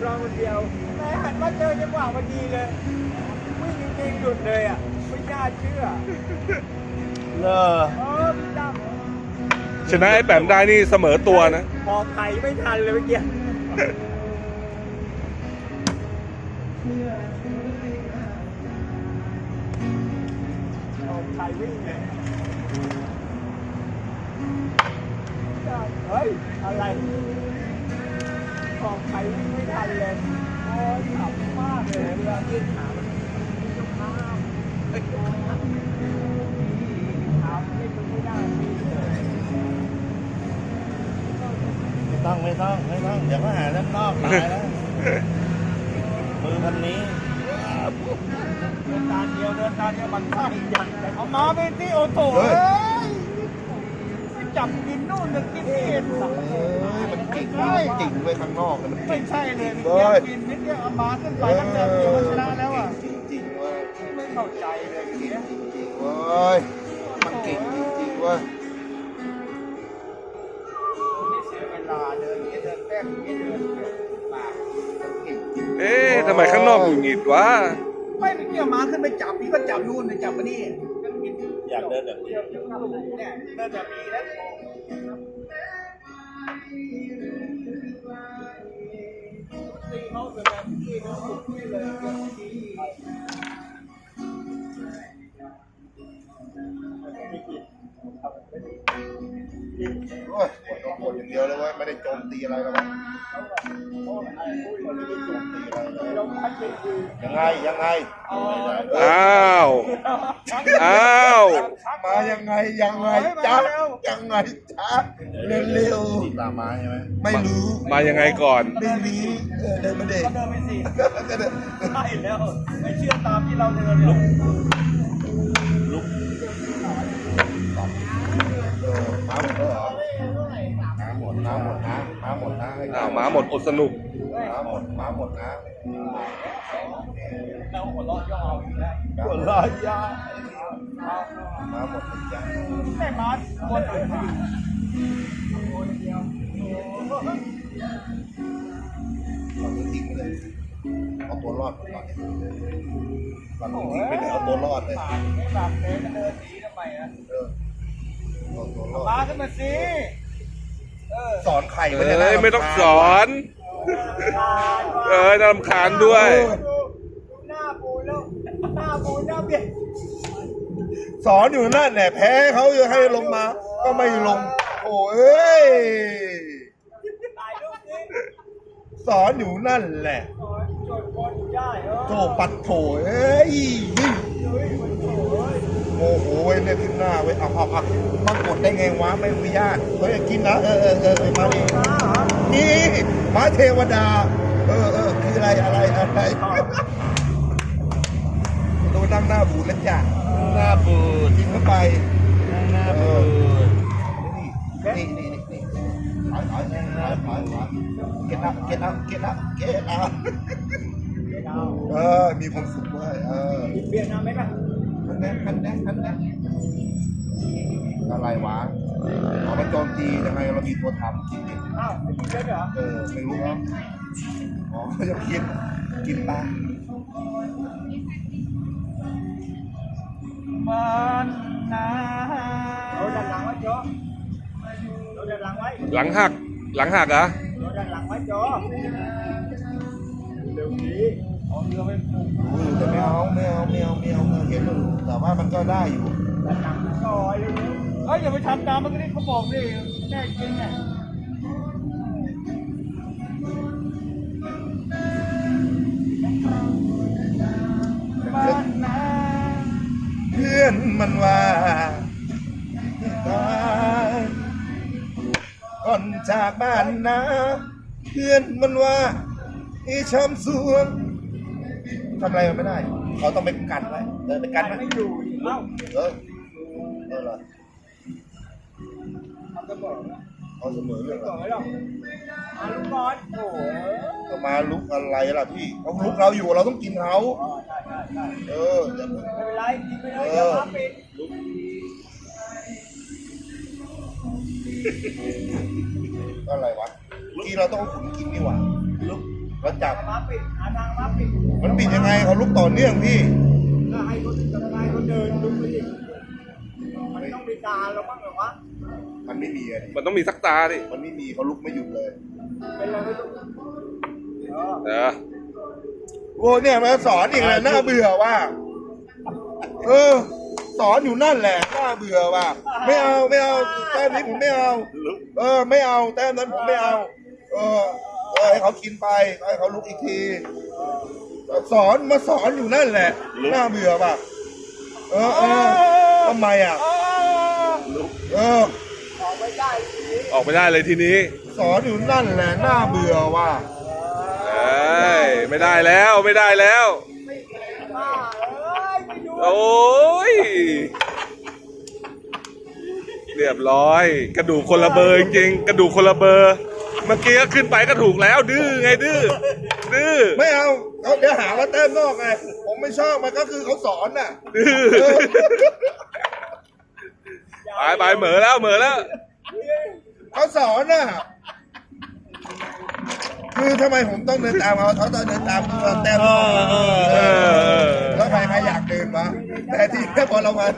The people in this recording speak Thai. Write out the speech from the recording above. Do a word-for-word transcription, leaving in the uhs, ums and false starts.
รองคนเดียวแต่หันมาเจอจังหวะพอดีเลยวิ่งจริงๆหลุดเลยอ่ะไม่น่าเชื่อเลอเออพี่ตั้มชนะไอ้แปมได้นี่เสมอตัวนะพอไข่ไม่ทันเลยเมื่อกี้พอไข่วิ่งเลยเฮ้ยอะไรพอไข่วิ่งไม่ทันเลยโอ้ยขับมากเลยเวลายืนขามันจะข้ามเอ้ยขาไม่ไม่ได้พี่เลยไม่ต้องไม่ต้องไม่ต้องเดี๋ยวก็หาด้านนอกตายแล้ว มือพันนี้เดินตาเดียวเดินตาเดียวมันฆ่าอีกอย่างแต่เอามาเป็นที่โอโต้เฮ้เอ้ยยไปจับกินนู่นจะกินนี่สังเอ้ยมันจริงใช่จริงไว้ข้างนอกเลยมันจริไม่งใช่เลยเฮ้ยกินนิดเดียวเอามาขึ้นไปแล้วเดินเดียวก็ชนะแล้วอ่ะจริงจริงเว้ยไม่เข้าใจเลยอย่างเงี้ยจริงจริงเว้ยมันเก่งจริงจริงเว้ยไม่เสียเวลาเดินเดินแป๊บนี้เดินปากเก่งจริงเอ๊ะทำไมข้างนอกหงุดหงิดวะไม่ไปเกี่ยวมาขึ้นไปจับพี่ก็จับนู่นไปจับมานี่อยากเดินแบบนี้เนี่ยเดินแบบนี้แล้วตีเขาแบบนี้เขาสุดที่เลยโอ้ยปวดหัวปวดอย่างเดียวเลยเว้ยไม่ได้โจมตีอะไรหรอกมันไม่ได้โจมตีอะไรเลยยังไงยังไงอ้าว อ้าวมายังไงยังไงจ๊ะยังไงจ๊ะเร็วๆตามมาใช่ไหมไม่รู้มายังไงก่อนไม่รู้เออเดินมาเด็กก็เดินไปสิก็เดินใช่แล้วไม่เชื่อตามที่เราเดินลุกลุกเออมาหมดแล้วเหรอมาหมดมาหมดนะมาหมดนะอ้าวหมาหมดอดสนุกมาหมดมาหมดนะเราหัวเราะย่อเอาอยู่แล้วหัวเราะยามาหมดนะจ๊ะแต่มาคนอื่นมาเราจะทิ้งไปเลยเอาตัวรอดก่อนเราต้องทิ้งไปเลยเอาตัวรอดเลยปากไม่ปากเลยเดินหนีทำไมอ่ะเออเอาตัวรอดมาขึ้นมาสิเออสอนไข่เอไม่ได้นะ้ยไม่ต้องสอน เอ้ยน่ารำคาญด้วยหน้าปูแล้วหน้าปูหน้าเบี้ยสอนอยู่นั่นแหละแพ้เขาจะให้ลงมา ก็ไม่ลง โอ้เอ้ยถ่ายรูปสิสอนอยู่นั่นแหละโอ้ยจดคนได้เออโถปัดโถเอ้ยเฮ้ยมันโถ่เอ้ยโอ้โหเว้ยเนี่ยขึ้นหน้าเว้ยเอาเอาเอามากดได้ไงวะไม่อนุญาตเฮ้ยกินนะเออเออเออมาดิมาเหรอนี่ม้าเทวดา เออเออคืออะไรอะไรอะไรโดนนั่งหน้าบูดแล้วจ้ะหน้าบูดกินเข้าไปหน้าบูดนี่นี่นี่นี่ถอยถอยถอยถอยถอยเก็ตอัพเก็ตอัพเก็ตอัพเก็ตอัพเออมีความสุขเว้ยเออเบียดน้ำไหมล่ะคันแน่คันแน่คันแน่อะไรวะเอามาโจมตียังไงเรามีตัวทำจริงอ้าวไม่กินเยอะเหรอๆเออไม่รู้ครับอ๋อเขาจะกินกินปลามันนะเราดันหลังไว้โจ้เราดันหลังไว้หลังหัก หลังหักเหรอ่ะเราดันหลังไว้โจ้เร็วนี้เอาเรือไปปลูกอุ้ยแต่ไม่เอาไม่เอาไม่เอาไม่เอาไม่เอาเห็นอยู่แต่ว่ามันก็ได้อยู่ดันหลังก่อนเร็วเฮ้ยอย่าไปทำตามมันก็ได้เขาบอกดิแน่จริงไงมันนะเพื่อนมันว่าตายก่อนจากบ้านนะเพื่อนมันว่าไอ้ช้ำสวงทำอะไรมันไม่ได้ เขาต้องไปกันไว้เดินไปกันไว้ไม่อยู่อีกเอ้าเออเออเหรอทำจะบอกนะเขาเสมอเรื่องบอะอกไรไว้หรอกอาลูกบอลโอ้โหเขามาลุกอะไรล่ะพี่เขาลุกเราอยู่เราต้องกินเขาอ๋อใช่ใช่ใช่เอออย่าเพิ่งไม่เป็นไรกินไปเลยอย่าพักปิดก็อะไรวะเมื่อกี้เราต้องเอาขุนกินดีกว่าลุกแล้วจับมาปิดหาทางมาปิดมันปิดยังไงเขาลุกต่อเนื่องพี่ก็ให้คนทำงานคนเดินดูไปดิมันต้องมีตาเราบ้างเหรอวะมันไม่มีอะดิมันต้องมีสักตาดิมันไม่มีเขาลุกไม่หยุดเลยเป็นอะไรไม่รู้เออเออโอ้เนี่ยมาสอนอีกแล้วน่าเบื่อว่ะเออ สอนอยู่นั่นแหละน่าเบื่อว่ะไม่เอาไม่เอาแต้มนี้ผมไม่เอา เออ ไม่เอาแต้มนั้นผมไม่เอา เออเออให้เขากินไปให้เขาลุกอีกที สอนมาสอนอยู่นั่นแหละน่าเบื่อว่ะเออเออทำไมอ่ะเออออกไม่ได้ทีนี้ออกไม่ได้เลยทีนี้สอนอยู่นั่นแหละน่าเบื่อว่ะเอ้ยไม่ได้แล้วไม่ได้แล้วบ้าเอ้ยไม่ดูโอ้ยเรียบร้อย กระดูกคนละเบอร์จริงๆกระดูกคนละเบอร์ เมื่อกี้ก็ขึ้นไปก็ถูกแล้ว ดื้อไงดื้อดื้อไม่เอาเขาเดี๋ยวหาว่าแต้มนอกไงผมไม่ชอบมันก็คือเขาสอนน่ะดื้อเออไปไปเหมือแล้วเหมือแล้วเขาสอนน่ะคือทำไมผมต้องเดินตามเขาเขาต้องเดินตามเราแต้มนอกเออแล้วใครใครอยากเดินวะแต่ที่พอเรามา